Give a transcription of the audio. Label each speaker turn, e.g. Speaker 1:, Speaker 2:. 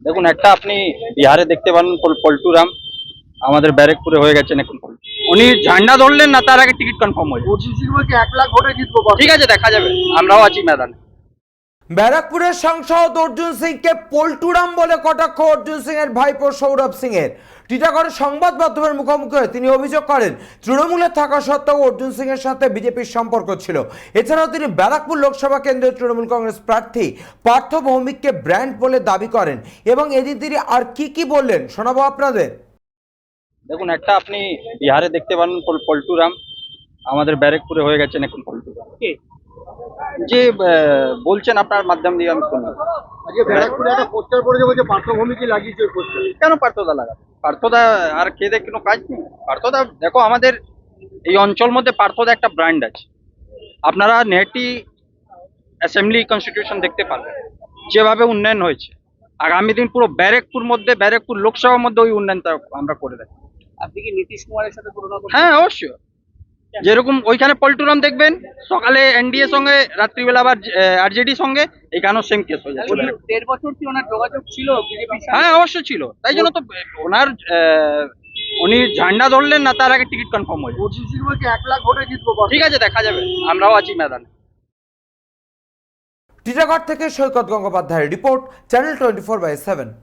Speaker 1: দেখুন, একটা আপনি বিহারে দেখতে পারেন পল্টু রাম আমাদের ব্যারেকপুরে হয়ে গেছেন এখন। উনি ঝান্ডা ধরলেন না, তার আগে টিকিট কনফার্ম হয়ে যাবে।
Speaker 2: অর্জুন সিং বলছে 1 লাখ ভোটে জিতবো।
Speaker 1: ঠিক আছে, দেখা যাবে, আমরাও আছি ময়দানে।
Speaker 3: ব্যারাকপুরের সাংসদ অর্জুন সিংকে পল্টুরাম বলে কটাক্ষ অর্জুন সিং এর ভাইপো সৌরভ সিং এর। টিটাগড়ে সংবাদ মাধ্যমের মুখোমুখি হয়ে তিনি অভিযোগ করেন তৃণমূলে থাকা সত্ত্বেও অর্জুন সিং এর সাথে বিজেপির সম্পর্ক ছিল। এছাড়াও তিনি ব্যারাকপুর লোকসভা কেন্দ্রের তৃণমূল কংগ্রেস প্রার্থী পার্থ ভৌমিককে ব্র্যান্ড বলে দাবি করেন এবং এদিন তিনি আর কি বললেন শোনাবো আপনাদের।
Speaker 1: দেখুন, একটা আপনি বিহারে দেখতে পারেন পল্টু রাম আমাদের ব্যারেকপুরে হয়ে গেছেন এখন। পল্টু রাম যে বলছেন আপনার মাধ্যম দিয়ে আমি শুনলাম।
Speaker 2: আজকে ব্যারাকপুরে একটা পোস্টার পড়েছে, বলছে পার্থভূমিকে লাগিয়েছে ওই পোস্টার।
Speaker 1: কেন পার্থদা লাগাবে? পার্থদা আর খেয়ে কোনো কাজ নেই। পার্থদা দেখো, আমাদের এই অঞ্চল মধ্যে পার্থদা একটা ব্র্যান্ড আছে। আপনারা নেহাটি অ্যাসেম্বলি কনস্টিটিউশন দেখতে পারবেন যেভাবে উন্নয়ন হয়েছে। আগামী দিন পুরো ব্যারেকপুর লোকসভার মধ্যে ওই উন্নয়নটা আমরা করে দেবো।
Speaker 2: আপনি কি নীতিশ কুমারের সাথে তুলনা করছেন?
Speaker 1: হ্যাঁ, অবশ্যই। যেরকম ওইখানে পল্টুরাম দেখবেন সকালে এনডিএ সঙ্গে, রাত্রিবেলা আবার আরজেডি সঙ্গে, এখানেও সেম কেস হয়ে যাচ্ছে।
Speaker 2: 1.5 বছর কি ওনার যোগাযোগ ছিল বিজেপির সাথে?
Speaker 1: হ্যাঁ, অবশ্যই ছিল। তাই জন্য তো ওনার উনি ঝান্ডা ধরলেন না, তার আগে টিকিট কনফার্ম হয়ে যাবে।
Speaker 2: অর্জুন সিং বলছে 1 লাখ ভোটে জিতবো।
Speaker 1: ঠিক আছে, দেখা যাবে, আমরাও আছি ময়দানে।
Speaker 3: টিটাগড় থেকে সৈকত গঙ্গোপাধ্যায়ের রিপোর্ট, চ্যানেল 24/7।